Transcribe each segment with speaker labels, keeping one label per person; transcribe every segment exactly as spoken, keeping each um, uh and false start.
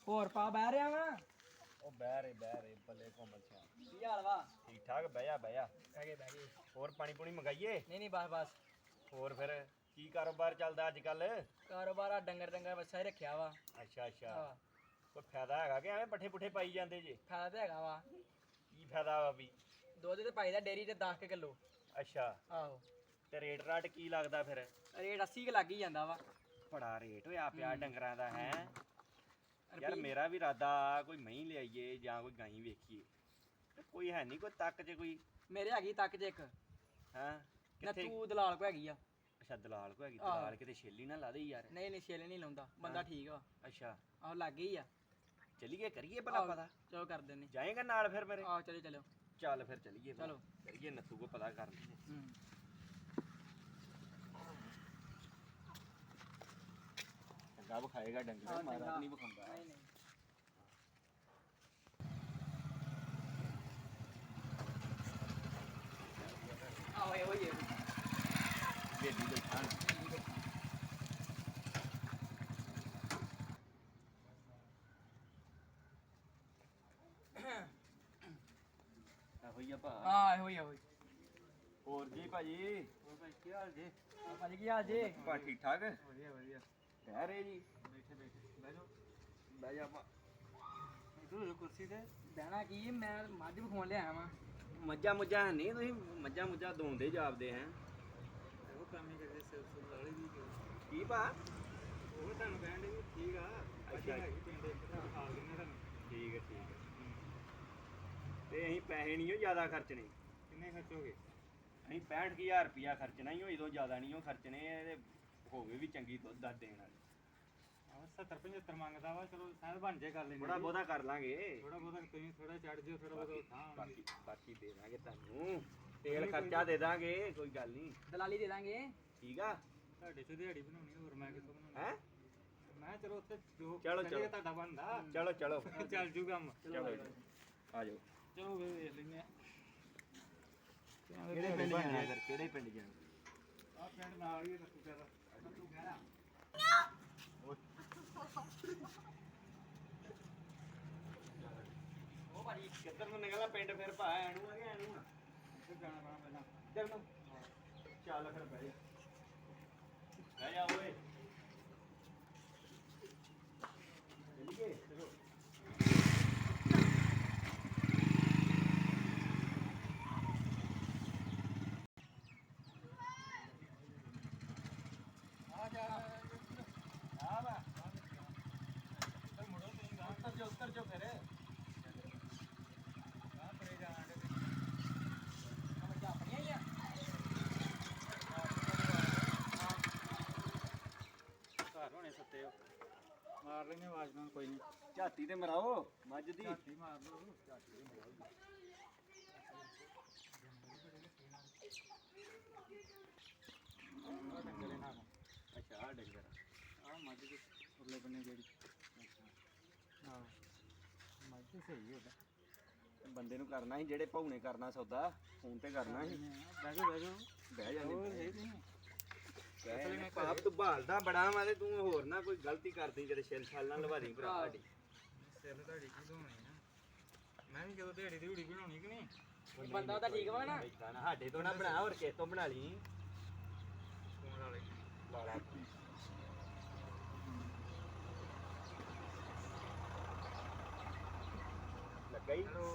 Speaker 1: ਹੋਰ ਪਾ ਬਹਿ ਰਿਹਾ ਵਾ
Speaker 2: ਉਹ ਬਹਿ ਰੇ ਬਹਿ ਰੇ ਬੱਲੇ ਕੋਮਲ ਸਿਆ
Speaker 1: ਕੀ ਹਾਲ ਵਾ
Speaker 2: ਠੀਕ ਠਾਕ ਬਹਿ ਜਾ ਬਹਿ ਜਾ
Speaker 1: ਬਹਿ ਗਏ ਬਹਿ ਗਏ
Speaker 2: ਹੋਰ ਪਾਣੀ ਪੂਣੀ ਮੰਗਾਈਏ
Speaker 1: ਨਹੀਂ ਨਹੀਂ ਬਸ ਬਸ
Speaker 2: ਹੋਰ ਫਿਰ ਕੀ ਕਾਰੋਬਾਰ ਚੱਲਦਾ ਅੱਜ ਕੱਲ
Speaker 1: ਕਾਰੋਬਾਰ ਆ ਡੰਗਰ ਡੰਗਰ ਬੱਚਾ ਹੀ ਰੱਖਿਆ ਵਾ
Speaker 2: ਅੱਛਾ ਅੱਛਾ
Speaker 1: ਹਾਂ
Speaker 2: ਕੋਈ ਫਾਇਦਾ ਹੈਗਾ ਕਿ ਐਵੇਂ ਪੱਠੇ ਪੁੱਠੇ ਪਾਈ ਜਾਂਦੇ ਜੇ
Speaker 1: ਫਾਇਦਾ ਤਾਂ ਹੈਗਾ ਵਾ
Speaker 2: ਕੀ ਫਾਇਦਾ ਵਾ ਵੀ
Speaker 1: ਦੁੱਧ ਤੇ ਪਾਈਦਾ ਡੇਰੀ ਤੇ ਦਸ ਕਿਲੋ
Speaker 2: ਅੱਛਾ
Speaker 1: ਆਹੋ
Speaker 2: ਤੇ ਰੇਟ ਰਾਟ ਕੀ ਲੱਗਦਾ ਫਿਰ
Speaker 1: ਰੇਟ ਅੱਸੀ ਕੁ ਲੱਗ ਹੀ ਜਾਂਦਾ ਵਾ
Speaker 2: ਬੜਾ ਰੇਟ ਹੋਇਆ ਪਿਆ ਡੰਗਰਾਂ ਦਾ ਹੈ ਯਾਰ
Speaker 1: ਰੁਪਈਏ-
Speaker 2: ਮੇਰਾ ਵੀ ਇਰਾਦਾ ਕੋਈ ਮਹੀਂ ਲਿਆਈਏ ਜਾਂ ਕੋਈ ਗਾਈ ਵੇਖੀਏ ਤੇ ਕੋਈ ਹੈ ਨਹੀਂ ਕੋਈ ਤੱਕ ਜੇ ਕੋਈ
Speaker 1: ਮੇਰੇ ਹੈਗੀ ਤੱਕ ਜੇ ਇੱਕ
Speaker 2: ਹਾਂ
Speaker 1: ਨਾ
Speaker 2: ਕਿੱਥੇ
Speaker 1: ਤੂੰ ਦਲਾਲ ਕੋ ਹੈਗੀ ਆ
Speaker 2: ਅੱਛਾ ਦਲਾਲ ਕੋ ਹੈਗੀ
Speaker 1: ਆਹ।
Speaker 2: ਦਲਾਲ ਕਿਤੇ ਛੇਲੀ ਨਾ ਲਾ ਦੇ ਯਾਰ
Speaker 1: ਨਹੀਂ ਨਹੀਂ ਛੇਲੇ ਨਹੀਂ ਲਾਉਂਦਾ ਬੰਦਾ
Speaker 2: ਹਾਂ।
Speaker 1: ਠੀਕ ਵਾ
Speaker 2: ਅੱਛਾ
Speaker 1: ਆਹੋ ਲੱਗ ਗਈ ਆ
Speaker 2: ਚਲੀਏ ਕਰੀਏ ਭਲਾ
Speaker 1: ਆਹੋ,
Speaker 2: ਪਤਾ
Speaker 1: ਚਲੋ ਕਰ ਦਿੰਨੇ
Speaker 2: ਜਾਏਗਾ ਨਾਲ ਫਿਰ ਮੇਰੇ
Speaker 1: ਆਹੋ ਚਲੋ ਚਲੋ
Speaker 2: ਚੱਲ ਫਿਰ ਚਲੀਏ ਫਿਰ।
Speaker 1: ਚਲੋ।
Speaker 2: ਕਰੀਏ ਨੱਥੂ ਕੋ ਪਤਾ ਕਰ ਲਈਏ
Speaker 1: ਹੂੰ
Speaker 2: ਚੰਗਾ ਵਿਖਾਏਗਾ ਡੰਗਰ
Speaker 1: ਆਹ,
Speaker 2: ਮਾਰਾ
Speaker 1: ਚੰਗਾ।
Speaker 2: ਨਹੀਂ ਵਿਖਾਉਂਦਾ
Speaker 1: ਨਹੀਂ ਨਹੀਂ ਆਹੋ ਇਹੋ ਹੀ ਹੈ
Speaker 2: ਵੇਦੀ ਬੈਠਾ ਇਹੋ ਹੀ ਆ ਭਾ
Speaker 1: ਹਾਂ ਇਹੋ ਹੀ ਇਹੋ ਹੀ
Speaker 2: ਹੋਰ ਜੀ ਭਾਜੀ
Speaker 1: ਹੋਰ ਭਾਈ ਕੀ ਹਾਲ ਜੀ ਭਾਜੀ ਕੀ ਹਾਲ ਜੀ
Speaker 2: ਭਾ ਠੀਕ ਠਾਕ
Speaker 1: ਵਧੀਆ ਵਧੀਆ
Speaker 2: ਕਹਿ ਰਹੇ ਜੀ
Speaker 1: ਬੈਠੇ ਬੈਠੇ ਬਹਿ ਜਾਓ
Speaker 2: ਬਹਿ ਜਾ ਭਾ
Speaker 1: ਇਧਰ ਕੁਰਸੀ ਤੇ ਬਹਿਣਾ ਕੀ ਮੈਂ ਮੱਝ ਵਿਖਾਉਣ ਲਿਆਇਆ ਵਾਂ
Speaker 2: ਮੱਝਾਂ ਮੁੱਝਾਂ ਹੈ ਨਹੀਂ ਤੁਸੀਂ ਮੱਝਾਂ ਮੁੱਝਾਂ ਦੋਂਦੇ ਜਾਪਦੇ ਹੈ
Speaker 1: ਉਹ ਕੰਮ ਹੀ ਕਰਦੇ ਸਿਰ ਸੁਰ ਲਾਲੀ ਦੀ
Speaker 2: ਕੀ ਭਾ
Speaker 1: ਉਹ ਤੁਹਾਨੂੰ ਕਹਿਣ ਦੇ ਵੀ ਠੀਕ ਆ
Speaker 2: ਅੱਛਾ।
Speaker 1: ਹੈਗੀ ਪਿੰਡ ਇੱਕ ਤਾਂ ਖਾ ਦਿੰਦੇ ਤੁਹਾਨੂੰ
Speaker 2: ਠੀਕ ਹੈ ਠੀਕ ਹੈ ਤੇ ਅਸੀਂ ਪੈਸੇ ਨਹੀਂ ਉਹ ਜ਼ਿਆਦਾ ਖਰਚਣੇ
Speaker 1: ਕਿੰਨੇ ਖਰਚੋਗੇ
Speaker 2: ਅਸੀਂ ਪੈਂਹਠ ਕੁ ਹਜ਼ਾਰ ਰੁਪਿਆ ਖਰਚਣਾ ਹੀ ਹੋਈ ਤੋਂ ਜ਼ਿਆਦਾ ਨਹੀਂ ਉਹ ਖਰਚਣੇ ਤੇ ਹੋਵੇ ਵੀ ਚੰਗੀ ਦੁੱਧ ਦੱਧ ਦੇਣ ਵਾਲੀ
Speaker 1: ਆਹ ਸੱਤਰ ਪਝੱਤਰ ਮੰਗਦਾ ਵਾ ਚਲੋ ਸ਼ਾਇਦ ਬਣ ਜੇ ਕਰ ਲੈਂਦੇ
Speaker 2: ਥੋੜਾ ਬਹੁਤਾ ਕਰ ਲਾਂਗੇ
Speaker 1: ਥੋੜਾ ਬਹੁਤਾ ਤੁਸੀਂ ਥੋੜਾ ਚੜ ਜਿਓ ਥੋੜਾ ਬਹੁਤਾ ਥਾਂ
Speaker 2: ਬਾਕੀ ਬਾਕੀ ਦੇ ਦਾਂਗੇ ਤੁਹਾਨੂੰ ਤੇਲ ਖਰਚਾ ਦੇ ਦਾਂਗੇ ਕੋਈ ਗੱਲ ਨਹੀਂ
Speaker 1: ਦਲਾਲੀ ਦੇ ਦਾਂਗੇ
Speaker 2: ਠੀਕ ਆ
Speaker 1: ਤੁਹਾਡੇ ਚ ਦਿਹਾੜੀ ਬਣਾਉਣੀ ਹੋਰ ਮੈਂ ਕਿਥੋਂ ਬਣਾਉਣੀ
Speaker 2: ਹੈ
Speaker 1: ਮੈਂ ਚਲੋ ਉੱਥੇ ਜੋ
Speaker 2: ਚਲੋ,
Speaker 1: ਚੱਲੇ
Speaker 2: ਚਲੋ।
Speaker 1: ਤੁਹਾਡਾ ਬਣਦਾ
Speaker 2: ਚਲੋ ਚਲੋ
Speaker 1: ਚੱਲ ਜੂ ਕੰਮ
Speaker 2: ਚਲੋ ਜੀ। ਆ ਜਾਓ
Speaker 1: ਚਲੋ ਵੇ ਵੇਖ ਲੈਂਦੇ ਆ
Speaker 2: ਕਿਹੜੇ ਪਿੰਡ ਜਾਣਾ ਫਿਰ ਕਿਹੜੇ ਪਿੰਡ ਜਾਣਾ
Speaker 1: ਆ ਪਿੰਡ ਨਾਲ ਹੀ ਰੱਖੂ ਕਰਾ ਰੱਖੂ ਕਰਾ
Speaker 2: ਉਹ ਭਾਜੀ ਕਿੱਧਰ ਨੂੰ ਨਿਕਲਣਾ ਪਿੰਡ ਫਿਰ ਭਾ ਐਨੂੰ ਆ ਗਿਆ ਐਨੂੰ ਆ
Speaker 1: ਇੱਥੇ ਜਾਣਾ ਪੈਣਾ ਪਹਿਲਾਂ
Speaker 2: ਇੱਧਰ ਨੂੰ ਚੱਲ ਫਿਰ ਬਹਿ ਜਾ ਬਹਿ ਜਾ ਓਏ ਚੱਲੀਏ ਚਲੋ
Speaker 1: ਆ ਜਾ
Speaker 2: ਆ ਵਾ
Speaker 1: ਚੱਲ ਮੁੜੋ ਤੁਸੀਂ ਗਾਂ
Speaker 2: ਉੱਤਰ ਜੋ ਉੱਤਰ ਜੋ ਫਿਰ
Speaker 1: ਗਾਂ ਪਰੇ ਜਾਣ ਦੇ ਸਮਝ ਆਪਣੀਆਂ ਹੀ ਆ ਘਰ ਹੋਣੇ ਸੱਤੇ ਹੋ ਮਾਰ ਲੈਣੇ ਆਵਾਜ਼ ਨਾਲ ਕੋਈ ਨਹੀਂ
Speaker 2: ਝਾਤੀ ਤੇ ਮਰਾਓ ਮੱਝ ਦੀ
Speaker 1: ਝਾਤੀ ਮਾਰ ਲਓ ਉਹ ਡੰਗਰੇ ਨਾਲ
Speaker 2: ਅੱਛਾ ਆ ਡੰਗਰ
Speaker 1: ਆ ਮੱਝ ਦੇ ਉਰਲੇ ਬੰਨੇ ਜਿਹੜੀ ਹਾਂ ਮੱਝ ਤੇ ਸਹੀ ਹੋਦਾ
Speaker 2: ਬੰਦੇ ਨੂੰ ਕਰਨਾ ਸੀ ਜਿਹੜੇ ਭਾਉ ਨੇ ਕਰਨਾ ਸੌਦਾ ਫੋਨ ਤੇ ਕਰਨਾ ਸੀ
Speaker 1: ਬਹਿ ਜਾਓ ਬਹਿ ਜਾਓ
Speaker 2: ਬਹਿ ਜਾਂਦੇ
Speaker 1: ਹੋਰ
Speaker 2: ਬਹਿ
Speaker 1: ਸਹੀ ਨਹੀਂ
Speaker 2: ਜਾਂਦੇ। ਪਾਪ ਤੂੰ ਭਾਲਦਾ ਬੜਾ ਵਾ ਤੇ ਤੂੰ ਹੋਰ ਨਾ ਕੋਈ ਗਲਤੀ ਕਰਦੀ ਕਿਤੇ ਛਿਲ ਛਾਲ ਨਾਲ ਲਵਾ ਦੀ ਭਰਾ ਸਾਡੀ
Speaker 1: ਸਿਰ ਤੁਹਾਡੀ ਕੀ ਧੋਣੀ ਆ ਮੈਂ ਵੀ ਜਦੋਂ ਦਿਹਾੜੀ ਦਿਹੜੀ ਬਣਾਉਣੀ ਕਿ ਨਹੀਂ
Speaker 2: ਬੰਦਾ ਤਾਂ ਠੀਕ ਵਾ ਨਾ ਬੈਠਾ ਨਾ ਸਾਡੇ ਤੋਂ ਨਾ ਬਣਾ ਹੋਰ ਕਿਸ ਤੋਂ ਬਣਾ ਲਈ
Speaker 1: ਫੋਨ ਵਾਲੇ
Speaker 2: ਲਾਲਾ ਲੱਗਾ ਹੀ
Speaker 1: ਹੈਲੋ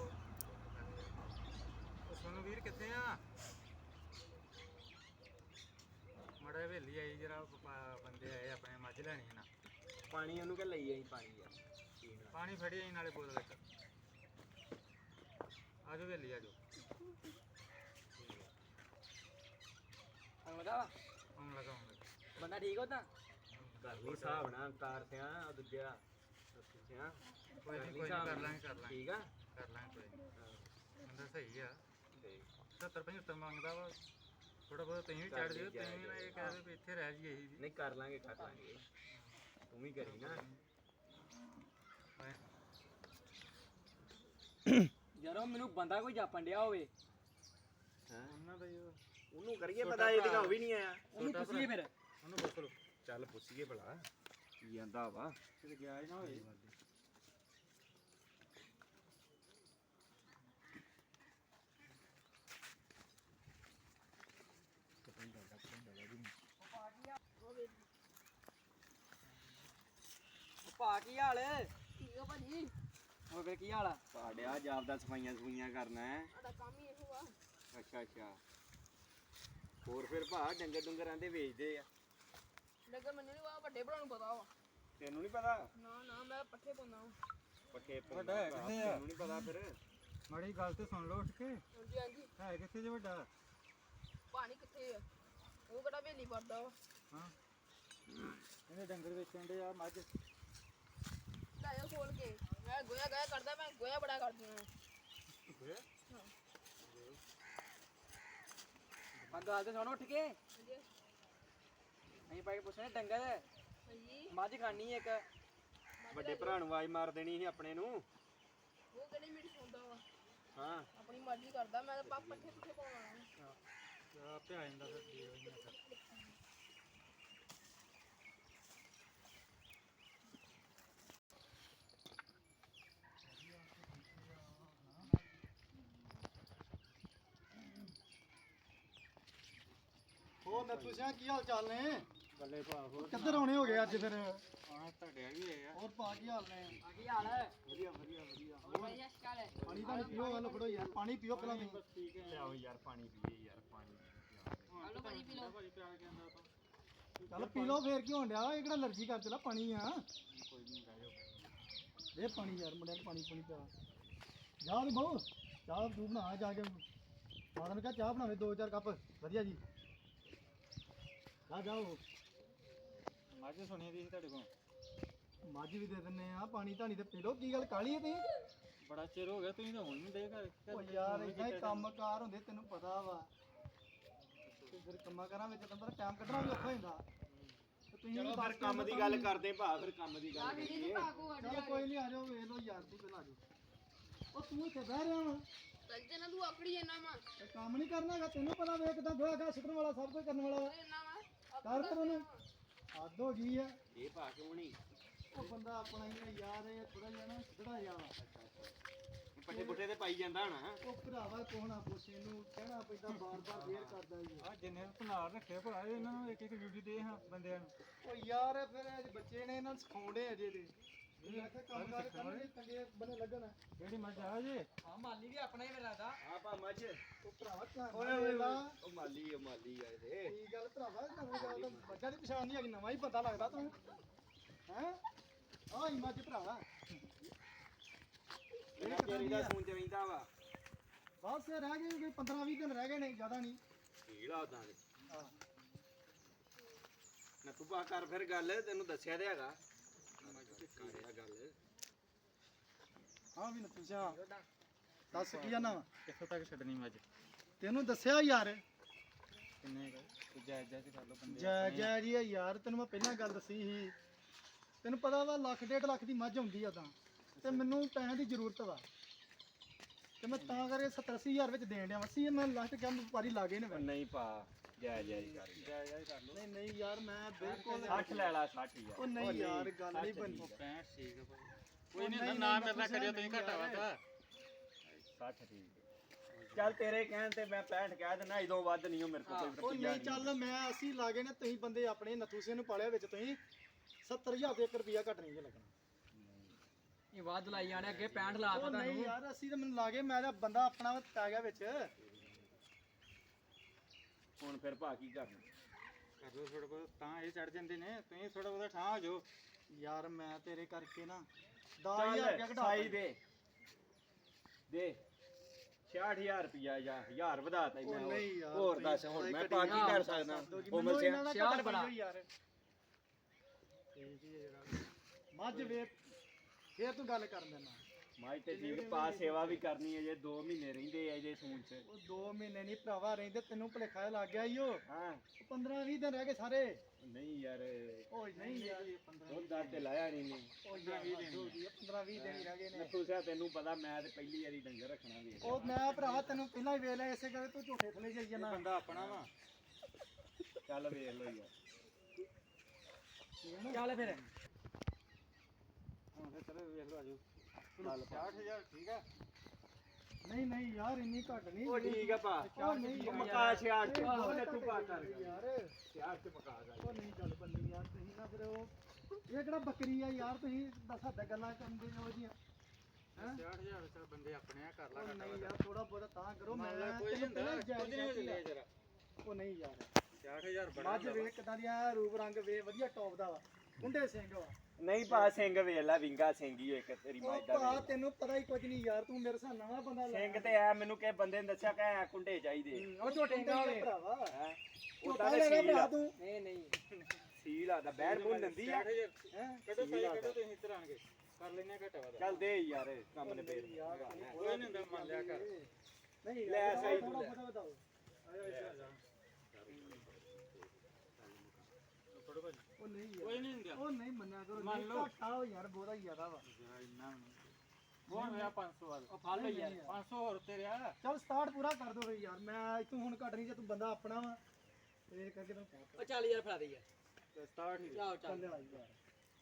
Speaker 1: ਉਹ ਸੋਨੂੰ ਵੀਰ ਕਿੱਥੇ ਆ ਮੜਾ ਹਵੇਲੀ ਆਈ ਜਰਾ ਬੰਦੇ ਆਏ ਆਪਣੇ ਮੱਝ ਲੈਣੀ ਹੈ ਨਾ
Speaker 2: ਪਾਣੀ ਉਹਨੂੰ ਕਿ ਲਈ ਆਈ ਪਾਣੀ ਯਾਰ ਪੀਣ ਵਾਲਾ।
Speaker 1: ਪਾਣੀ ਫੜੀ ਆਈ ਨਾਲੇ ਬੋਤਲ ਇੱਕ ਆਜੋ ਹਵੇਲੀ ਆਜੋ
Speaker 3: ਆਉਂਦਾ ਵਾ
Speaker 1: ਆਉਣ ਲੱਗਾ ਆਉਣ ਲੱਗਾ
Speaker 3: ਬੰਦਾ ਠੀਕ ਹੋ ਤਾਂ
Speaker 2: ਕਰ ਲਈ ਹਿਸਾਬ ਨਾਲ ਕਾਰ ਸਿਆ ਉਹ ਦੂਜਾ ਸਿਆ
Speaker 1: ਕੋਈ ਨਹੀਂ ਕੋਈ ਨਹੀਂ ਕਰ ਲਾਂਗੇ ਕਰ ਲਾਂਗੇ
Speaker 2: ਠੀਕ ਆ
Speaker 1: ਕਰ ਲਾਂਗੇ ਕੋਈ ਨਹੀਂ ਬੰਦਾ ਸਹੀ ਆ
Speaker 2: ਤੇ
Speaker 1: ਸੱਤਰ ਪਝੱਤਰ ਮੰਗਦਾ ਵਾ ਥੋੜਾ ਬਹੁਤ ਤੁਸੀਂ ਵੀ ਚੜ ਜਿਓ ਤੁਸੀਂ ਵੀ ਨਾ ਇਹ ਕਹਿ ਦਿਓ ਵੀ ਇੱਥੇ ਰਹਿ ਜਾਈਏ ਅਸੀਂ ਵੀ
Speaker 2: ਨਹੀਂ ਕਰ ਲਾਂਗੇ ਕਰ ਲਾਂਗੇ ਤੂੰ ਵੀ ਕਰੀ ਨਾ
Speaker 3: ਜਦੋਂ ਮੈਨੂੰ ਬੰਦਾ ਕੋਈ ਜਾਪਣ ਡਿਆ ਹੋਵੇ
Speaker 2: ਹਾਂ
Speaker 1: ਉਹਨਾਂ ਦਾ ਹੀ ਉਹ
Speaker 2: ਉਹਨੂੰ ਕਰੀਏ ਪਤਾ ਇਹ ਦਿਖਾਉ ਵੀ ਨਹੀਂ ਆਇਆ
Speaker 3: ਉਹਨੂੰ ਪੁੱਛੀਏ ਫਿਰ
Speaker 1: ਉਹਨੂੰ ਪੁੱਛ ਲਓ
Speaker 2: ਚੱਲ ਪੁੱਛੀਏ ਭਲਾ ਕੀ ਆਂਦਾ ਵਾ
Speaker 1: ਕਿਤੇ ਗਿਆ ਹੀ ਨਾ ਹੋਏ
Speaker 3: ਭਾ ਕੀ ਹਾਲ
Speaker 4: ਠੀਕ ਆ ਭਾਜੀ
Speaker 3: ਹੋਰ ਫਿਰ ਕੀ ਹਾਲ ਆ
Speaker 2: ਪਾੜਿਆ ਜਾਪਦਾ ਸਫਾਈਆਂ ਸਫੂਈਆਂ ਕਰਨਾ ਹੈ
Speaker 4: ਸਾਡਾ ਕੰਮ ਹੀ ਇਹੋ ਆ
Speaker 2: ਅੱਛਾ ਅੱਛਾ ਹੋਰ ਫਿਰ ਭਾ ਡੰਗਰ ਡੁੰਗਰਾਂ ਦੇ ਵੇਚਦੇ ਆ
Speaker 4: ਡੰਗਰ ਮੈਨੂੰ ਨਹੀਂ ਵਾ ਵੱਡੇ ਭਰਾ ਨੂੰ ਪਤਾ ਵਾ
Speaker 2: ਤੈਨੂੰ ਨਹੀਂ ਪਤਾ
Speaker 4: ਨਾ ਨਾ ਮੈਂ ਪੱਠੇ ਪਾਉਂਦਾ ਵਾਂ।
Speaker 2: ਪੱਠੇ
Speaker 1: ਵੱਡਾ ਹੈ ਕਿੱਥੇ ਆ?
Speaker 2: ਤੈਨੂੰ ਨਹੀਂ ਪਤਾ ਫਿਰ
Speaker 1: ਮਾੜੀ ਗੱਲ ਤੇ ਸੁਣ ਲਓ ਉੱਠ ਕੇ
Speaker 4: ਹਾਂਜੀ ਹਾਂਜੀ
Speaker 1: ਹੈ ਕਿੱਥੇ ਜੇ ਵੱਡਾ
Speaker 4: ਪਾਣੀ ਕਿੱਥੇ ਆ ਉਹ ਕਿਹੜਾ ਵੇਲੀ ਪੜਦਾ ਵਾ
Speaker 1: ਹਾਂ ਇਹਨੇ ਡੰਗਰ ਵੇਚਣ ਦੇ ਆ ਮੱਝ
Speaker 4: ਲਾਇਆ ਖੋਲ ਕੇ ਮੈਂ ਗੋਇਆ ਗਾਇਆ ਕਰਦਾ ਮੈਂ ਗੋਇਆ ਬੜਾ ਕਰਦੀ ਹਾਂ
Speaker 3: ਹਾਂ ਗੱਲ ਤੇ ਸੁਣ ਉੱਠ ਕੇ
Speaker 4: ਹਾਂਜੀ
Speaker 3: ਅਸੀਂ ਪਾ ਕੇ ਪੁੱਛਣਾ ਡੰਗਰ
Speaker 4: ਹਾਂਜੀ
Speaker 3: ਮੱਝ ਖਾਣੀ ਇੱਕ
Speaker 2: ਵੱਡੇ ਭਰਾ ਨੂੰ ਆਵਾਜ਼ ਮਾਰ ਦੇਣੀ ਸੀ ਆਪਣੇ ਨੂੰ
Speaker 4: ਉਹ ਕਿਹੜੀ ਮੇਰੀ ਸੁਣਦਾ ਵਾ
Speaker 2: ਹਾਂ
Speaker 4: ਆਪਣੀ ਮਰਜ਼ੀ ਕਰਦਾ ਮੈਂ ਤਾਂ ਪਾ ਪੱਠੇ ਪੁੱਠੇ ਪਾਉਣਾ
Speaker 1: ਆਪੇ ਆ ਜਾਂਦਾ ਫਿਰ ਦੇ ਦਿੰਦਾ ਫਿਰ
Speaker 5: ਹੋਰ ਨੱਥੂ ਸਿਆ ਕੀ ਹਾਲ ਚਾਲ ਨੇ
Speaker 1: ਬੱਲੇ ਭਾ ਹੋਰ
Speaker 5: ਕਿੱਧਰ ਆਉਣੇ ਹੋ ਗਏ ਅੱਜ ਫਿਰ
Speaker 1: ਹਾਂ ਤੁਹਾਡੇ ਵੀ ਹੈ
Speaker 5: ਹੋਰ ਪਾ ਕੀ ਹਾਲ ਨੇ
Speaker 3: ਆ ਕੀ ਹਾਲ ਹੈ
Speaker 5: ਵਧੀਆ ਵਧੀਆ ਵਧੀਆ
Speaker 4: ਭਾਈ ਅਸ਼ਕਾਲ ਹੈ
Speaker 5: ਪਾਣੀ ਤਾਂ ਪੀਓ ਗੱਲ ਫੜੋ ਯਾਰ ਪਾਣੀ ਪੀਓ ਪਹਿਲਾਂ ਤੁਸੀਂ
Speaker 1: ਠੀਕ ਹੈ
Speaker 2: ਲਿਆਓ ਯਾਰ ਪਾਣੀ ਪੀਏ ਯਾਰ ਪਾਣੀ
Speaker 4: ਹਲੋ ਭਾਜੀ ਪੀ ਲਓ
Speaker 1: ਭਾਜੀ ਪਿਆ ਕੇ ਆਂਦਾ ਤਾਂ
Speaker 5: ਚੱਲ ਪੀ ਲਓ ਫੇਰ ਕੀ ਹੋਣ ਡਿਆ ਇਹ ਕਿਹੜਾ ਅਲਰਜੀ ਕਰ ਚਲਾ ਪਾਣੀ ਆ
Speaker 1: ਕੋਈ ਨਹੀਂ ਰਹਿ ਜਾਓ
Speaker 5: ਦੇ ਪਾਣੀ ਯਾਰ ਮੁੰਡਿਆਂ ਨੂੰ ਪਾਣੀ ਪਾਣੀ ਪਿਆ ਜਾ ਵੀ ਬਹੁ ਚਾਹ ਤੂੰ ਬਣਾ ਜਾ ਕੇ ਮਾਤਾ ਨੂੰ ਕਹ ਚਾਹ ਬਣਾਵੇ ਦੋ ਚਾਰ ਕੱਪ ਵਧੀਆ ਜੀ ਜਾ ਜਾਓ
Speaker 1: ਮੱਝ ਸੁਣੀ ਦੀ ਸੀ ਤੁਹਾਡੇ ਕੋਲ
Speaker 5: ਮੱਝ ਵੀ ਦੇ ਦਿੰਨੇ ਆ ਪਾਣੀ ਧਾਣੀ ਤੇ ਪੀ ਲਓ ਕੀ ਗੱਲ ਕਾਲੀ ਹੈ ਤੁਸੀਂ
Speaker 1: ਬੜਾ ਚਿਰ ਹੋ ਗਿਆ ਤੁਸੀਂ ਤਾਂ ਹੁਣ ਨਹੀਂ ਦੇ ਘਰ
Speaker 5: ਉਹ ਯਾਰ ਇਦਾਂ ਹੀ ਕੰਮਕਾਰ ਹੁੰਦੇ ਤੈਨੂੰ ਪਤਾ ਵਾ ਤੇ ਫਿਰ ਕੰਮਾਂ ਕਰਾਂ ਵਿੱਚ ਤਾਂ ਟਾਈਮ ਕੱਢਣਾ ਵੀ ਔਖਾ ਹੁੰਦਾ ਤੇ ਤੁਸੀਂ
Speaker 2: ਚਲੋ
Speaker 5: ਵੀ
Speaker 2: ਫਿਰ
Speaker 5: ਦੱਸ
Speaker 2: ਕੰਮ ਦੀ ਗੱਲ ਕਰਦੇ ਭਾ ਫਿਰ ਕੰਮ ਦੀ ਗੱਲ
Speaker 4: ਮੇਰੀ
Speaker 2: ਕਰੀਏ
Speaker 4: ਨੂੰ ਪਾਕੋ
Speaker 5: ਚਲੋ ਕੋਈ ਨਹੀਂ ਆ ਜਾਓ ਵੇਖ ਲਓ ਯਾਰ ਤੂੰ ਪਹਿਲਾਂ ਆ ਜਾਓ ਉਹ ਤੂੰ ਇੱਥੇ ਬਹਿ ਰਿਹਾ ਵਾ
Speaker 4: ਚੱਲ ਜਨਾ ਤੂੰ ਆਕੜੀ ਜਨਾ ਵਾ
Speaker 5: ਤੇ ਕੰਮ ਨਹੀਂ ਕਰਨਾ ਹੈਗਾ ਤੈਨੂੰ ਪਤਾ ਵੇ ਕਿਦਾਂ ਗੋਹਾ ਗਾ ਸੁੱਟਣ ਵਾਲਾ ਸਭ ਕੁਝ ਕਰਨ ਵਾਲਾ ਵਾ।
Speaker 4: ਜਨਾ ਵਾ
Speaker 5: ਕਰ ਪਰ ਉਹਨੂੰ ਹੱਦ ਹੋ ਗਈ ਆ
Speaker 2: ਇਹ ਭਾ ਕਿਉਂ ਨਹੀਂ
Speaker 5: ਉਹ ਬੰਦਾ ਆਪਣਾ ਹੀ ਆ ਯਾਰ ਇਹ ਥੋੜਾ ਜਿਹਾ ਨਾ ਸਿੱਧੜਾ ਜਿਹਾ ਵਾ
Speaker 2: ਪੱਠੇ ਪੁੱਠੇ ਤੇ ਪਾਈ ਜਾਂਦਾ ਹਣਾ
Speaker 5: ਉਹ ਭਰਾਵਾ ਕੋਹਣਾ ਪੁੱਛੇ ਨੂੰ ਕਹਿਣਾ ਪੈਂਦਾ ਬਾਰ-ਬਾਰ ਫੇਰ ਕਰਦਾ ਜੀ
Speaker 1: ਆ ਜਿੰਨੇ ਭਨਾਰ ਰੱਖੇ ਭਰਾ ਇਹਨਾਂ ਨੂੰ ਇੱਕ ਇੱਕ ਡਿਊਟੀ ਦੇ ਹਾਂ ਬੰਦਿਆਂ ਨੂੰ
Speaker 5: ਉਹ ਯਾਰ ਫਿਰ ਇਹ ਬੱਚੇ ਨੇ ਇਹਨਾਂ ਨੂੰ ਸਿਖਾਉਂਦੇ ਅਜੇ ਦੇ ਇਹ ਆਖੇ ਕੰਮ ਕਾਰ ਕਰਨਗੇ ਚੰਗੇ ਬੰਦੇ ਲੱਗਣ
Speaker 1: ਕਿਹੜੀ ਮੱਝ ਆ ਜੇ
Speaker 3: ਹਾਂ ਮਾਲੀ ਵੀ ਆਪਣਾ ਹੀ ਮੇਰਾ ਦਾ
Speaker 2: ਆ ਭਾ ਮੱਝ
Speaker 5: ਉਹ ਭਰਾਵਾ ਧਿਆਨ
Speaker 2: ਓਏ
Speaker 5: ਨਾਲ
Speaker 2: ਓਏ
Speaker 5: ਵੇਖ ਲਾ।
Speaker 2: ਉਹ ਮਾਲੀ ਉਹ ਮਾਲੀ ਆ ਇਹਦੇ
Speaker 5: ਕੀ ਗੱਲ ਭਰਾਵਾ ਨਵੀਂ ਗੱਲ ਤਾਂ ਬੱਚਾ ਦੀ ਪਛਾਣ ਨਹੀਂ ਹੈਗੀ ਨਵਾਂ ਹੀ ਪਤਾ ਲੱਗਦਾ ਤੂੰ ਹੈ ਆਹ ਹੀ ਮੱਝ ਭਰਾਵਾ
Speaker 2: ਇਹ ਤੇਰੀ ਦਾ ਸੂਨ ਚ ਰਹਿੰਦਾ ਵਾ
Speaker 5: ਬਸ ਰਹਿ ਗਏ ਕੋਈ ਪੰਦਰਾਂ ਵੀਹ ਦਿਨ ਰਹਿ ਗਏ ਨੇ ਜ਼ਿਆਦਾ ਨਹੀਂ
Speaker 2: ਢੀਲਾ ਉਦਾਂ ਦੇ
Speaker 5: ਹਾਂ
Speaker 2: ਨਾ ਤੂੰ ਭਾ ਕਰ ਫਿਰ ਗੱਲ ਤੈਨੂੰ ਦੱਸਿਆ ਤੇ ਹੈਗਾ ਕਰਿਆ ਗੱਲ
Speaker 5: ਹਾਂ ਵੀ ਨੱਤੂ ਸਿਆ ਦੱਸ ਕੀ ਜਾਨਾ ਵਾ
Speaker 1: ਕਿੱਥੋਂ ਤੱਕ ਛੱਡਣੀ ਮੱਝ
Speaker 5: ਤੈਨੂੰ ਦੱਸਿਆ ਯਾਰ
Speaker 1: ਕਿੰਨੇ ਕੁ ਜਾਇਜ਼ ਜਾਇਜ਼ ਕਰ ਲਓ ਬੰਦੇ
Speaker 5: ਜੈ ਜੈ ਜੀ ਆ ਯਾਰ ਤੈਨੂੰ ਮੈਂ ਪਹਿਲਾਂ ਗੱਲ ਦੱਸੀ ਸੀ ਤੈਨੂੰ ਪਤਾ ਵਾ ਲੱਖ ਡੇਢ ਲੱਖ ਦੀ ਮੱਝ ਹੁੰਦੀ ਆ ਤਾਂ ਤੇ ਮੈਨੂੰ ਪੈਸਿਆਂ ਦੀ ਜ਼ਰੂਰਤ ਵਾ ਤੇ ਮੈਂ ਤਾਂ ਕਰਕੇ ਸੱਤਰ ਅੱਸੀ ਹਜ਼ਾਰ ਵਿੱਚ ਦੇਣ ਡਿਆ ਅੱਸੀ ਮੈਂ ਲਾਸਟ ਕਿਹਾ ਵਪਾਰੀ ਲਾ ਗਏ ਨੇ
Speaker 2: ਉਹ ਨਹੀਂ ਭਾ ਜੈ ਜੈ ਕਰ
Speaker 1: ਜਾਇਜ਼ ਜਾਇਜ਼ ਕਰ ਲਓ
Speaker 5: ਨਹੀਂ ਨਹੀਂ ਯਾਰ ਮੈਂ ਬਿਲਕੁਲ
Speaker 2: ਸੱਠ ਲੈ ਲਾ ਸੱਠ ਯਾਰ
Speaker 5: ਉਹ ਨਹੀਂ ਯਾਰ ਗੱਲ ਨਹੀਂ ਬਣੀ
Speaker 1: ਪੈਂਹਠ ਠੀਕ ਆ ਭਾਈ
Speaker 5: ਉਹ
Speaker 1: ਕੋਈ ਨਹੀਂ
Speaker 5: ਨਹੀਂ,
Speaker 1: ਨਾ
Speaker 5: ਨਹੀਂ,
Speaker 1: ਮੇਰੇ ਨਾਲ ਕਰਿਓ ਤੁਸੀਂ
Speaker 5: ਨਹੀਂ
Speaker 1: ਘਟਾ ਵਾ ਤਾਂ
Speaker 2: ਸੱਠ ਠੀਕ ਚੱਲ ਤੇਰੇ ਕਹਿਣ ਤੇ ਮੈਂ ਪੈਂਹਠ ਕਹਿ ਦਿੰਦਾ ਇਦੋਂ ਵੱਧ ਨਹੀਂ ਉਹ ਮੇਰੇ ਕੋਲ ਕੋਈ
Speaker 5: ਉਹ
Speaker 2: ਰੁਪਈਆ
Speaker 5: ਨਹੀਂ ਚੱਲ ਮੈਂ ਅਸੀਂ ਲਾ ਗਏ ਨੇ ਤੁਸੀਂ ਬੰਦੇ ਆਪਣੇ ਨੱਥੂ ਸਿੰਘ ਨੂੰ ਪਾਲਿਆ ਵਿੱਚ ਤੁਸੀਂ ਸੱਤਰ ਹਜ਼ਾਰ ਦੇ ਇੱਕ ਰੁਪਿਆ ਘੱਟ ਨਹੀਂ ਜੇ ਲੱਗਣਾ
Speaker 3: ਇਹ ਵੱਧ ਲਾਈ ਜਾਣੇ ਅੱਗੇ ਪੈਂਹਠ ਲਾਤਾ
Speaker 5: ਉਹ ਨਹੀਂ
Speaker 3: ਤੁਹਾਨੂੰ
Speaker 5: ਯਾਰ ਅਸੀਂ ਤਾਂ ਮੈਨੂੰ ਲਾ ਗਏ ਮੈਂ ਤਾਂ ਬੰਦਾ ਆਪਣਾ ਪੈ ਗਿਆ ਵਿੱਚ
Speaker 2: ਹੁਣ ਫਿਰ ਭਾ ਕੀ ਕਰਨਾ
Speaker 1: ਕਰ ਲਓ ਥੋੜਾ ਬਹੁਤ ਤਾਂ ਇਹ ਚੜ ਜਾਂਦੇ ਨੇ ਤੁਸੀਂ ਥੋੜਾ ਬਹੁਤਾ ਠਾਂ ਹੋ ਜਾਓ
Speaker 5: ਯਾਰ ਮੈਂ ਤੇਰੇ ਕਰਕੇ ਨਾ ਦਸ ਹਜ਼ਾਰ ਰੁਪਇਆ
Speaker 2: ਚੱਲ
Speaker 5: ਘਟਾ
Speaker 2: ਸਾਈ ਦੇ ਦੇ ਛਿਆਹਠ ਹਜ਼ਾਰ ਰੁਪਿਆ ਜਾਂ ਹਜ਼ਾਰ ਵਧਾਤਾ ਹੀ
Speaker 5: ਉਹ
Speaker 2: ਮੈਂ
Speaker 5: ਨਹੀਂ
Speaker 2: ਹੋਰ।
Speaker 5: ਯਾਰ,
Speaker 2: ਹੋਰ
Speaker 5: ਤੁਸੀਂ
Speaker 2: ਦੱਸ ਹੁਣ ਮੈਂ
Speaker 5: ਘਟੀ
Speaker 2: ਪਾ ਕੀ
Speaker 3: ਨਾ
Speaker 2: ਕਰ
Speaker 3: ਦੱਸ
Speaker 2: ਸਕਦਾ
Speaker 5: ਮੈਨੂੰ
Speaker 2: ਉਮਰ
Speaker 5: ਇਹਨਾਂ ਦਾ
Speaker 3: ਸਿਆਰ
Speaker 5: ਘੱਟ
Speaker 3: ਬੜਾ।
Speaker 5: ਪਈ ਹੋਈ ਯਾਰ ਮੱਝ ਵੇ ਫੇਰ ਤੂੰ ਗੱਲ ਕਰ ਦੇਣਾ
Speaker 2: ਮਾਈ ਤੇ ਠੀਕ ਪਾ ਸੇਵਾ ਵੀ ਕਰਨੀ ਹੈ ਜੇ ਦੋ ਮਹੀਨੇ ਰਹਿੰਦੇ ਆ ਜੇ ਸੂਨ ਚ
Speaker 5: ਉਹ ਦੋ ਮਹੀਨੇ ਨਹੀਂ ਭਰਾਵਾ ਰਹਿੰਦੇ ਤੈਨੂੰ ਭੁਲੇਖਾ ਲੱਗ ਗਿਆ ਈਓ
Speaker 2: ਹਾਂ
Speaker 5: ਪੰਦਰਾਂ ਵੀਹ ਦਿਨ ਰਹਿ ਗਏ ਸਾਰੇ
Speaker 2: ਨਹੀਂ ਯਾਰ
Speaker 5: ਓਏ ਨਹੀਂ ਯਾਰ
Speaker 2: ਦੁੱਧ ਦਾ ਤੇ ਲਾਇਆ ਨਹੀਂ ਨੇ
Speaker 5: ਉਹ ਯਾਰ ਪੰਦਰਾਂ ਵੀਹ ਦਿਨ ਹੀ ਰਹਿ ਗਏ ਨੇ
Speaker 2: ਤੂੰ ਸਿਆ ਤੈਨੂੰ ਪਤਾ ਮੈਂ ਤੇ ਪਹਿਲੀ ਵਾਰੀ ਡੰਗਰ ਰੱਖਣਾ ਵੀ
Speaker 5: ਉਹ ਮੈਂ ਭਰਾਵਾ ਤੈਨੂੰ ਪਹਿਲਾਂ ਹੀ ਵੇਖ ਲਿਆ ਇਸੇ ਕਰਕੇ ਤੂੰ ਝੂਠੇ ਥਲੇ ਜਾਈ ਜਾਣਾ
Speaker 1: ਬੰਦਾ ਆਪਣਾ ਵਾ
Speaker 2: ਚੱਲ ਵੇਖ ਲੋ ਯਾਰ
Speaker 3: ਚੱਲ ਫਿਰ
Speaker 1: ਹੁਣ ਫਿਰ ਚਲੋ ਵੇਖ ਲਓ ਆਜੋ
Speaker 2: ਚੱਲ
Speaker 1: ਛਿਆਹਠ ਹਜ਼ਾਰ ਠੀਕ ਆ
Speaker 5: ਨਹੀਂ ਨਹੀਂ ਯਾਰ ਇੰਨੀ ਘੱਟ ਨਹੀਂ
Speaker 2: ਉਹ ਠੀਕ ਆ ਭਾ
Speaker 5: ਉਹ ਨਹੀਂ
Speaker 2: ਉਹ ਮਕਾ ਛਿਆਹਠ ਚ
Speaker 5: ਉਹ
Speaker 2: ਉਹਨੇ ਤੂੰ ਪਾ ਕਰ
Speaker 5: ਯਾਰ
Speaker 2: ਛਿਆਹਠ ਚ ਮਕਾ ਕਰ
Speaker 5: ਉਹ ਨਹੀਂ ਚੱਲ ਬੰਨੀ ਯਾਰ ਤੁਸੀਂ ਨਾ ਫਿਰ ਉਹ ਇਹ ਕਿਹੜਾ ਬੱਕਰੀ ਆ ਯਾਰ ਤੁਸੀਂ ਦੱਸ ਹੱਦ ਗੱਲਾਂ ਕਰਦੇ ਹੋ ਜੀਆਂ ਹੈਂ
Speaker 1: ਛਿਆਹਠ ਹਜ਼ਾਰ ਚੱਲ ਬੰਦੇ ਆਪਣੇ ਆ ਕਰ ਲਾ
Speaker 5: ਉਹ
Speaker 1: ਘੱਟ
Speaker 5: ਨਹੀਂ
Speaker 1: ਵੱਧ।
Speaker 5: ਯਾਰ ਥੋੜਾ ਬਹੁਤਾ ਤਾਂ ਕਰੋ ਮੈਂ
Speaker 1: ਮੰਨ ਲਾ ਕੋਈ
Speaker 5: ਤੈਨੂੰ
Speaker 1: ਨਹੀਂ ਹੁੰਦਾ
Speaker 5: ਪਹਿਲਾਂ
Speaker 1: ਕੁਝ ਨਹੀਂ ਹੋ
Speaker 5: ਜਾਇਜ਼
Speaker 1: ਚੱਲਿਆ ਜਰਾ
Speaker 5: ਉਹ ਨਹੀਂ ਯਾਰ
Speaker 1: ਛਿਆਹਠ ਹਜ਼ਾਰ ਬੜਾ
Speaker 5: ਮੱਝ ਵੇਖ ਕਿਦਾਂ ਦੀਆਂ ਰੂਪ ਰੰਗ ਵੇ ਵਧੀਆ ਟੌਪ ਦਾ ਵਾ ਕੁੰਡੇ ਸਿੰਘ ਵਾ
Speaker 2: ਨਹੀਂ ਭਾ ਸਿੰਘ ਵੇਖ ਲੈ ਵਿੰਗਾ ਸਿੰਘ ਹੀ ਇੱਕ ਤੇਰੀ
Speaker 5: ਉਹ
Speaker 2: ਮੱਝ ਦਾ
Speaker 5: ਭਾ
Speaker 2: ਵੇਖ।
Speaker 5: ਤੈਨੂੰ ਪਤਾ ਹੀ ਕੁਝ ਨਹੀਂ ਯਾਰ ਤੂੰ ਮੇਰੇ ਸਾਹ ਨਵਾਂ ਬੰਦਾ ਲੈ
Speaker 2: ਸਿੰਘ ਤੇ ਆ ਮੈਨੂੰ ਕਿਸੇ ਬੰਦੇ ਨੇ ਦੱਸਿਆ ਕਿ ਐ ਕੁੰਡੇ ਚਾਹੀਦੇ
Speaker 5: ਉਹ ਝੋਟੇਂਗਾ ਵਾਲੇ ਭਰਾਵਾ
Speaker 2: ਹੈ
Speaker 5: ਝੋਟਾ
Speaker 2: ਉਹਦਾ
Speaker 5: ਲੈਣਾ
Speaker 2: ਸੀਲ
Speaker 5: ਭਰਾ
Speaker 2: ਆ
Speaker 5: ਤੂੰ
Speaker 3: ਨਹੀਂ ਨਹੀਂ
Speaker 2: ਸੀਲ ਆਦਾ ਬਹਿਣ ਬੁਣ ਦਿੰਦੀ ਆ
Speaker 1: ਛਿਆਹਠ ਹਜ਼ਾਰ
Speaker 5: ਹੈ
Speaker 1: ਕੱਢੋ ਪੈਸੇ ਕੱਢੋ ਤੁਸੀਂ ਇੱਧਰ ਆਣ ਕੇ ਕਰ ਲੈਣੇ ਘੱਟ ਵੱਧ
Speaker 2: ਚੱਲ ਦੇ ਯਾਰ ਕੰਮ ਨੇ ਫੇਰ
Speaker 1: ਕੋਈ ਨਹੀਂ ਹੁੰਦਾ ਮੰਨ ਲਿਆ ਕਰ
Speaker 5: ਨਹੀਂ
Speaker 2: ਲੈ
Speaker 5: ਯਾਰ
Speaker 2: ਸਹੀ
Speaker 5: ਥੋੜਾ
Speaker 2: ਤੂੰ ਲੈ।
Speaker 5: ਬਹੁਤਾ ਬਤਾਓ
Speaker 1: ਫੜੋ ਭਾਜੀ
Speaker 5: ਉਹ ਨਹੀਂ ਯਾਰ
Speaker 1: ਕੋਈ ਨਹੀਂ ਹੁੰਦਾ
Speaker 5: ਉਹ ਨਹੀਂ ਮੰਨਿਆ ਕਰੋ
Speaker 1: ਮੰਨ
Speaker 5: ਨਹੀਂ
Speaker 1: ਲਓ।
Speaker 5: ਘਾਟਾ ਹੋ ਯਾਰ ਬਹੁਤਾ ਹੀ ਜ਼ਿਆਦਾ ਵਾ
Speaker 1: ਜਰਾ ਇੰਨਾ ਵੀ ਨਹੀਂ ਬਹੁਤ ਹੋਇਆ ਪੰਜ ਸੌ ਵੱਧ
Speaker 3: ਉਹ ਫੜ ਲਓ ਯਾਰ
Speaker 1: ਪੰਜ ਸੌ ਹੋਰ ਤੇ ਰਿਹਾ
Speaker 5: ਚੱਲ ਸਟਾਰਟ ਪੂਰਾ ਕਰ ਦੋ ਫੇ ਯਾਰ ਮੈਂ ਤੂੰ ਹੁਣ ਘਟ ਨਹੀਂ ਜੇ ਤੂੰ ਬੰਦਾ ਆਪਣਾ ਵਾ ਇਹ ਕਰਕੇ ਤੈਨੂੰ ਕਹਿ
Speaker 3: ਉਹ ਚੱਲ ਯਾਰ ਫੜਾ ਦੇ ਯਾਰ
Speaker 1: ਤੇ ਸਟਾਰਟ ਹੀ
Speaker 3: ਜਾਓ ਚੱਲ
Speaker 5: ਚੱਲ ਆਈ ਯਾਰ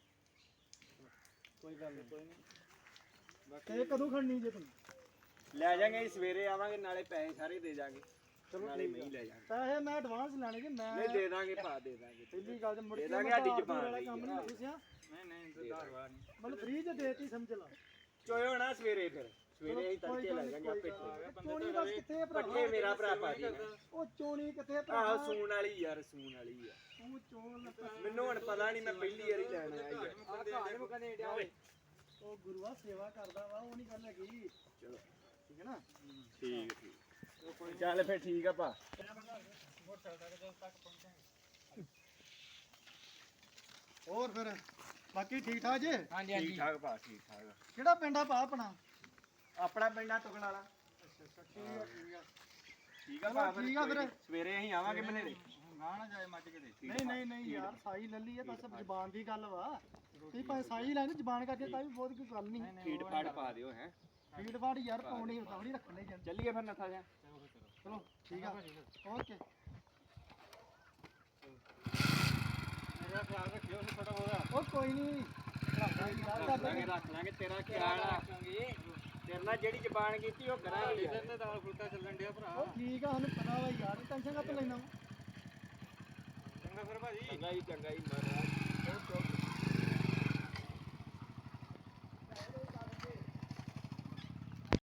Speaker 5: ਕੋਈ ਗੱਲ ਨਹੀਂ
Speaker 1: ਕੋਈ ਨਹੀਂ
Speaker 5: ਤੇ ਕਦੋਂ ਖੜਨੀ ਜੇ ਤੂੰ
Speaker 2: ਲੈ ਜਾਾਂਗੇ ਸਵੇਰੇ ਆਵਾਂਗੇ ਨਾਲੇ ਪੈਸੇ ਸਾਰੇ ਦੇ ਜਾਾਂਗੇ
Speaker 5: ਚਲੋ
Speaker 2: ਨਾਲੇ
Speaker 5: ਠੀਕ
Speaker 2: ਮੈਂ
Speaker 5: ਆ।
Speaker 2: ਹੀ ਲੈ ਜਾਾਂਗੇ
Speaker 5: ਪੈਸੇ ਮੈਂ ਐਡਵਾਂਸ ਲੈਣੇ ਜੀ ਮੈਂ
Speaker 2: ਨਹੀਂ ਦੇ ਦਾਂਗੇ ਭਾ ਦੇ ਦਾਂਗੇ
Speaker 5: ਪਹਿਲੀ ਗੱਲ ਤੇ ਮੁੜ
Speaker 2: ਦੇ
Speaker 5: ਕੇ
Speaker 2: ਦਾਂਗੇ,
Speaker 5: ਮੈਂ
Speaker 2: ਸਾਡੀ
Speaker 5: ਆਪ
Speaker 2: ਜ਼ਬਾਨ
Speaker 5: ਵਾਲਾ
Speaker 2: ਲਈ
Speaker 5: ਕੰਮ ਨਹੀਂ
Speaker 2: ਆ।
Speaker 5: ਦੱਸਿਆ
Speaker 1: ਨਹੀਂ ਨਹੀਂ ਧਾਰਵਾ ਨਹੀਂ
Speaker 5: ਮਤਲਬ ਫ੍ਰੀ ਚ ਦੇਤੀ ਸਮਝ ਲਾ
Speaker 2: ਚੋਇਓ ਨਾ ਸਵੇਰੇ ਫਿਰ ਸਵੇਰੇ ਹੀ ਤੜਕੇ ਲੈ ਜਾਾਂਗੇ ਆਪੇ
Speaker 5: ਚੋਣੀ ਬਸ ਕਿੱਥੇ ਭਰਾ
Speaker 2: ਪੱਠੇ ਮੇਰਾ ਭਰਾ ਪਾ ਦੇ
Speaker 5: ਉਹ ਚੋਣੀ ਕਿੱਥੇ ਭਰਾ
Speaker 2: ਆਹ ਸੂਣ ਵਾਲੀ ਯਾਰ ਸੂਣ ਵਾਲੀ ਆ
Speaker 5: ਤੂੰ ਚੋਣ
Speaker 2: ਮੈਨੂੰ ਹੁਣ ਪਤਾ ਨਹੀਂ ਮੈਂ ਪਹਿਲੀ ਵਾਰੀ ਲੈਣ ਆਇਆ ਯਾਰ
Speaker 3: ਆ ਘਾੜੇ ਮੁਕਨੇ ਡਿਆ ਓਏ
Speaker 5: ਉਹ ਗੁਰੂਆ ਸੇਵਾ ਕਰਦਾ ਵਾ ਉਹ ਨਹੀਂ ਗੱਲ ਹੈਗੀ
Speaker 2: ਚਲੋ
Speaker 5: ਠੀਕ ਹੈ ਨਾ
Speaker 2: ਠੀਕ ਠੀਕ ਚੱਲ ਫਿਰ ਠੀਕ ਆ ਭਾ
Speaker 5: ਹੋਰ ਫਿਰ ਬਾਕੀ ਠੀਕ ਠਾਕ ਜੇ
Speaker 3: ਹਾਂਜੀ
Speaker 2: ਠੀਕ
Speaker 3: ਹਾਂਜੀ
Speaker 2: ਠਾਕ ਭਾ ਠੀਕ ਠਾਕ
Speaker 5: ਕਿਹੜਾ ਪਿੰਡ ਆ ਭਾ ਆਪਣਾ
Speaker 2: ਆਪਣਾ ਪਿੰਡਾ ਤੁਕਣ ਵਾਲਾ
Speaker 5: ਠੀਕ ਆ ਠੀਕ ਆ
Speaker 2: ਠੀਕ ਆ
Speaker 5: ਚਲੋ
Speaker 2: ਭਾ
Speaker 5: ਠੀਕ ਆ ਫਿਰ।
Speaker 2: ਸਵੇਰੇ ਅਸੀਂ ਆਵਾਂਗੇ ਮਨੇਰੇ
Speaker 1: ਗਾਂ ਨਾ ਜਾਏ ਮੱਝ ਕਿਤੇ
Speaker 5: ਨਹੀਂ ਨਹੀਂ ਨਹੀਂ ਯਾਰ ਸਾਈ ਲੱਲੀ ਆ ਬਸ ਜ਼ਬਾਨ ਦੀ ਗੱਲ ਵਾ ਤੁਸੀਂ ਭਾਵੇਂ ਸਾਈ ਲੈਣ ਜ਼ਬਾਨ ਕਰਕੇ ਤਾਂ ਵੀ ਬਹੁਤ ਕੋਈ ਗੱਲ ਨਹੀਂ
Speaker 2: ਫੀਡ ਫਾੜ ਪਾ ਦਿਓ ਹੈ
Speaker 5: ਫੀਡ ਫਾੜ ਯਾਰ ਪਾਉਣੀ ਹੁੰਦਾ ਨਹੀਂ ਰੱਖਣ ਲਈ ਜਾਂਦੇ
Speaker 2: ਚੱਲੀਏ ਫਿਰ ਨੱਥਾ ਜਾ
Speaker 5: ਚਲੋ ਠੀਕ ਆ ਓਕੇ
Speaker 1: ਮੇਰਾ ਖਿਆਲ ਰੱਖਿਓ ਥੋੜਾ ਬਹੁਤਾ
Speaker 5: ਉਹ ਕੋਈ ਨਹੀਂ ਰੱਖਦਾ ਯਾਰ
Speaker 2: ਰੱਖ
Speaker 5: ਕਰ
Speaker 2: ਲਾਂਗੇ ਰੱਖ ਲਾਂਗੇ ਤੇਰਾ ਖਿਆਲ ਆ
Speaker 3: ਰੱਖਾਂਗੇ
Speaker 2: ਤੇਰੇ ਨਾਲ ਜਿਹੜੀ ਜ਼ਬਾਨ ਕੀਤੀ ਉਹ ਕਰਾਂਗੇ
Speaker 1: ਇਧਰ ਤੇ ਦਾਲ ਫੁਲਕਾ ਚੱਲਣ ਡਿਆ ਭਰਾ
Speaker 5: ਉਹ ਠੀਕ ਆ ਸਾਨੂੰ ਪਤਾ ਵਾ ਯਾਰ ਟੈਨਸ਼ਨ ਕਾਹਤੋਂ ਲੈਣਾ
Speaker 1: ਚੰਗਾ ਫਿਰ ਭਾਜੀ
Speaker 2: ਚੰਗਾ ਹੀ ਚੰਗਾ ਹੀ ਮਹਾਰਾਜ